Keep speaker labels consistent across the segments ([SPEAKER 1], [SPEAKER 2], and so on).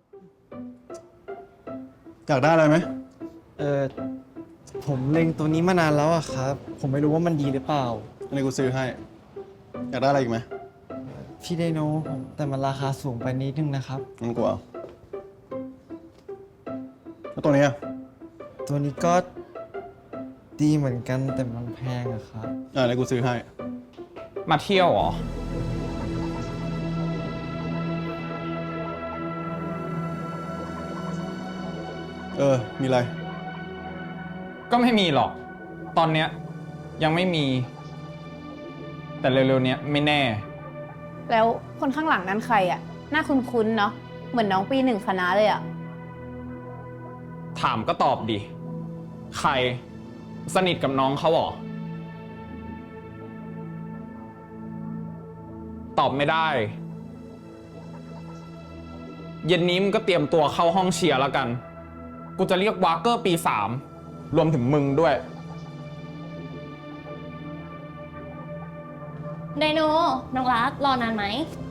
[SPEAKER 1] อยากได้อะไรไหม
[SPEAKER 2] เออผมเล็งตัวนี้มานานแล้วอะครับ ผมไม่รู้ว่ามันดีหรือเปล่า
[SPEAKER 1] อันนี้กูซื้อให้ อยากได้อะไรอีกไหม
[SPEAKER 2] พี่ไดโนแต่มันราคาสูงไปนิดนึงนะครับ
[SPEAKER 1] งั้นกูเอาแล้วตัวนี้อะ
[SPEAKER 2] ตัวนี้ก็ดีเหมือนกันแต่มันแพงอะครับ
[SPEAKER 1] อันนี้กูซื้อให้
[SPEAKER 3] มาเที่ยวเหรอ
[SPEAKER 1] มีอะไร
[SPEAKER 3] ก็ไม่มีหรอก ตอนเนี้ยยังไม่มี แต่เร็วๆเนี้ยไม่แน่
[SPEAKER 4] แล้วคนข้างหลังนั้นใครอ่ะหน้าคุ้นๆเนาะเหมือนน้องปีหนึ่งคณะเลยอ่ะ
[SPEAKER 3] ถามก็ตอบดิ ใครสนิทกับน้องเขาเหรอ ตอบไม่ได้ เย็นนี้มึงก็เตรียมตัวเข้าห้องเชียร์แล้วกัน กูจะเรียกวาร์เกอร์ปี3รวมถึงมึงด้วย
[SPEAKER 5] ไดโน น้องรัก รอนานไหม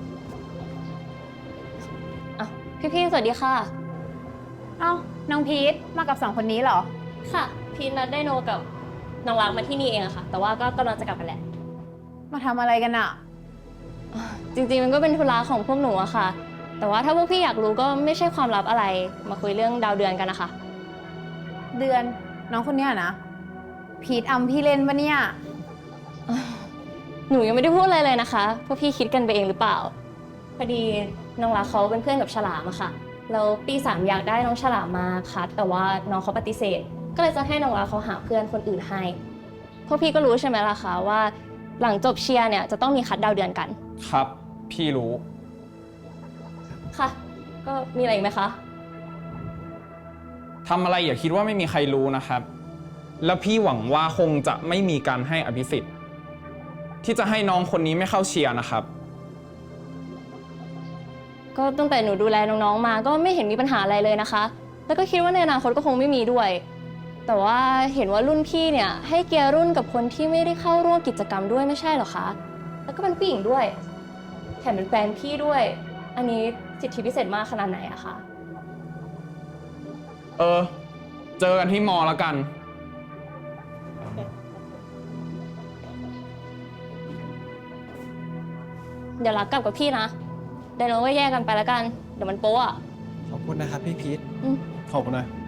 [SPEAKER 5] อ่ะพี่ๆ สวัสดีค่ะ
[SPEAKER 4] เอ้าน้องพีทมากับ2 คนนี้เหรอ
[SPEAKER 5] ค่ะ พีนัดไดโนกับน้องรักมาที่นี่เองอะค่ะ แต่ว่าก็กำลังจะกลับกันแหละ
[SPEAKER 4] มาทำอะไรกันอะ
[SPEAKER 5] จริงๆ มันก็เป็นธุระของพวกหนูอะค่ะ แต่ว่าถ้าพวกพี่อยากรู้ก็ไม่ใช่ความลับอะไร มาคุยเรื่องดาวเดือนกันนะคะ
[SPEAKER 4] เดือนน้องคนเนี้ยนะพีทอำพี่เล่นปะเนี่ย
[SPEAKER 5] หนูยังไม่ได้พูดอะไรเลยนะคะ พวกพี่คิดกันไปเองหรือเปล่า พอดีน้องรักเขาเป็นเพื่อนกับฉลามอะค่ะแล้วปี3อยากได้น้องฉลามมาคัดแต่ว่าน้องเขาปฏิเสธ ก็เลยจะให้น้องรักเขาหาเพื่อนคนอื่นให้ พวกพี่ก็รู้ใช่ไหมล่ะคะว่าหลังจบเชียร์เนี่ยจะต้องมีคัดดาวเดือนกัน
[SPEAKER 3] ครับ พี่รู้
[SPEAKER 5] ค่ะ ก็มีอะไรอีกไหมคะ
[SPEAKER 3] ทำอะไรอย่าคิดว่าไม่มีใครรู้นะครับ แล้วพี่หวังว่าคงจะไม่มีการให้อภิสิทธิ์ที่จะให้น้องคนนี้ไม่เข้าเชียร์นะครับ
[SPEAKER 5] ก็ตั้งแต่หนูดูแลน้องๆมาก็ไม่เห็นมีปัญหาอะไรเลยนะคะ แล้วก็คิดว่าในอนาคตก็คงไม่มีด้วย แต่ว่าเห็นว่ารุ่นพี่เนี่ยให้เกียร์รุ่นกับคนที่ไม่ได้เข้าร่วมกิจกรรมด้วยไม่ใช่เหรอคะ แล้วก็เป็นผู้หญิงด้วย แถมเป็นแฟนพี่ด้วย อันนี้สิทธิพิเศษมากขนาดไหนอะคะ
[SPEAKER 3] เจอกันที่มอแล้วกัน
[SPEAKER 5] เดี๋ยวรักกลับกับพี่นะเดี๋ยวเราก็แยกกันไปแล้วกัน เดี๋ยวมันโป๊ะอะ
[SPEAKER 2] ขอบคุณนะครับพี่พีท
[SPEAKER 1] ขอบคุณนะ